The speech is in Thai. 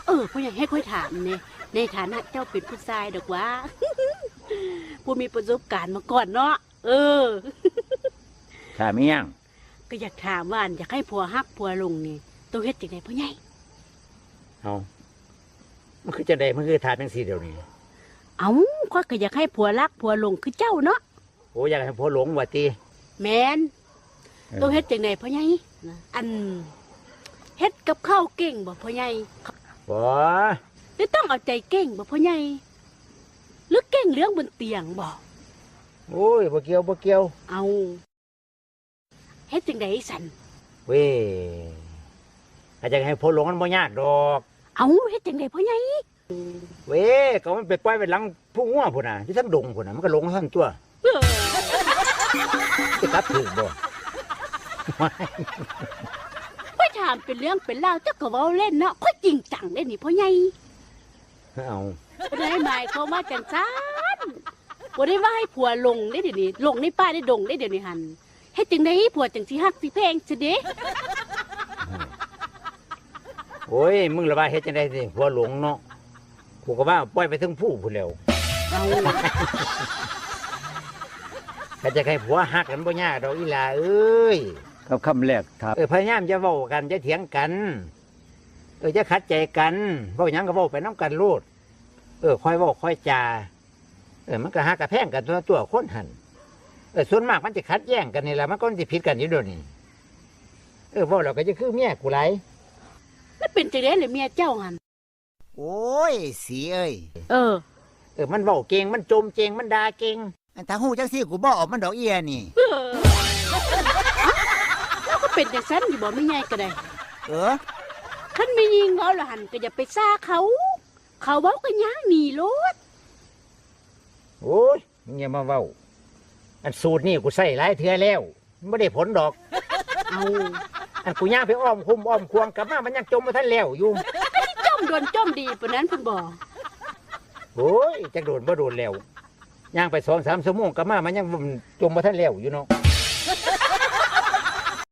พ่ออยากให้ค่อยถามเนี่ยในฐานะเจ้าเป็นผู้ชายดอกว่า ผู้มีประสบการณ์มาก่อนเนาะถามอีหยังก็อยากถามว่าอยากให้ผัวฮักผัวลงนี่ต้องเฮ็ดจังไดพ่อใหญ่เอามันคือจะได้มันคือถามจังซี่เดี๋ยวนี้ข้อยก็อยากให้ผัวรักผัวลงคือเจ้าเนาะโอ้อยากให้ผัวหลงว่าติแม่นต้องเฮ็ดจังไดพ่อใหญ่เฮ็ดกับข้าวเก่งบ่พ่อใหญ่บ่หรือต้องเอาใจเก่งบ่พ่อใหญ่หรือเก่งเรื่องบนเตียงบ่โอ้ยบ่เกี่ยวเฮ็ดจังไดสั่นเว้ยอาจจะให้ผัวหลงมันบ่ยากดอกเฮ็ดจังไดพ่อใหญ่เว้ยก็มันไปปล่อยไว้หลังผู้งัวพุ่นน่ะที่ทั้งดงพุ่นน่ะมันก็หลงทั้งตัวจะกลับถูกบ่ค่อยถามเป็นเรื่องเป็นราวเจ้าก็เว้าเล่นเนาะค่อยจริงจังเด้นี่พ่อใหญ่บ่ได้หมายความว่าจังซั่นบ่ได้ว่าให้ผัวลงได้เดี๋ยวนี้ลงในป่าในดงได้เดี๋ยวนี้หั่นเฮ็ดจังได๋ผัวจังสิฮักสิแพงซะเด้โอ้ยมึงละว่าเฮ็ดจังได๋สิผัวหลงเนาะกูก็ว่าปล่อยไปถึงผู้พุ่นแล้วก็จะให้ผัวฮักกันบ่ยากดอกอีหล่าเอ้ยครับคำแรกครับพยายามจะเว้ากันจะเถียงกันจะขัดใจกันเว้าหยังก็เว้าไปน้ำกันโลดค่อยเว้าค่อยจามันก็ฮักกระแพงกันตัวคนหันส่วนมากมันจะขัดแย้งกันนี่แหละมันก็จะผิดกันอยู่เดี๋ยวนี้เว้าเราก็จะคือเมียกูไรมันเป็นจังได๋เลยเมียเจ้าหั่นโอ้ยสีเอ้ยมันเว้าเก่งมันจมเก่งมันด่าเก่งถ้าฮู้จังซี่กูบ่ออกมันดอกเอียนี่แล้วก็เป็นจังซั่นอยู่บ่แม่ใหญ่ก็ได้คันมียิงเอาล่ะหั่นก็อย่าไปซ่าเขาเว้ากันย่างหนีโลดโอ้ยมึงอย่ามาเว้าอันสูตรนี่กูใส่หลายเทื่อแล้วมันไม่ได้ผลดอกอันกูย่างไปอ้อมคุ้มอ้อมควงกลับมามันยังจมมาท่านแล้วอยู่จมโดนจมดีปานนั้นเพิ่นบ่โอ้ยจักโดนบ่โดนแล้วย่างไป2-3 ชั่วโมงกลับมามันยังจมมาท่านแล้วอยู่เนาะ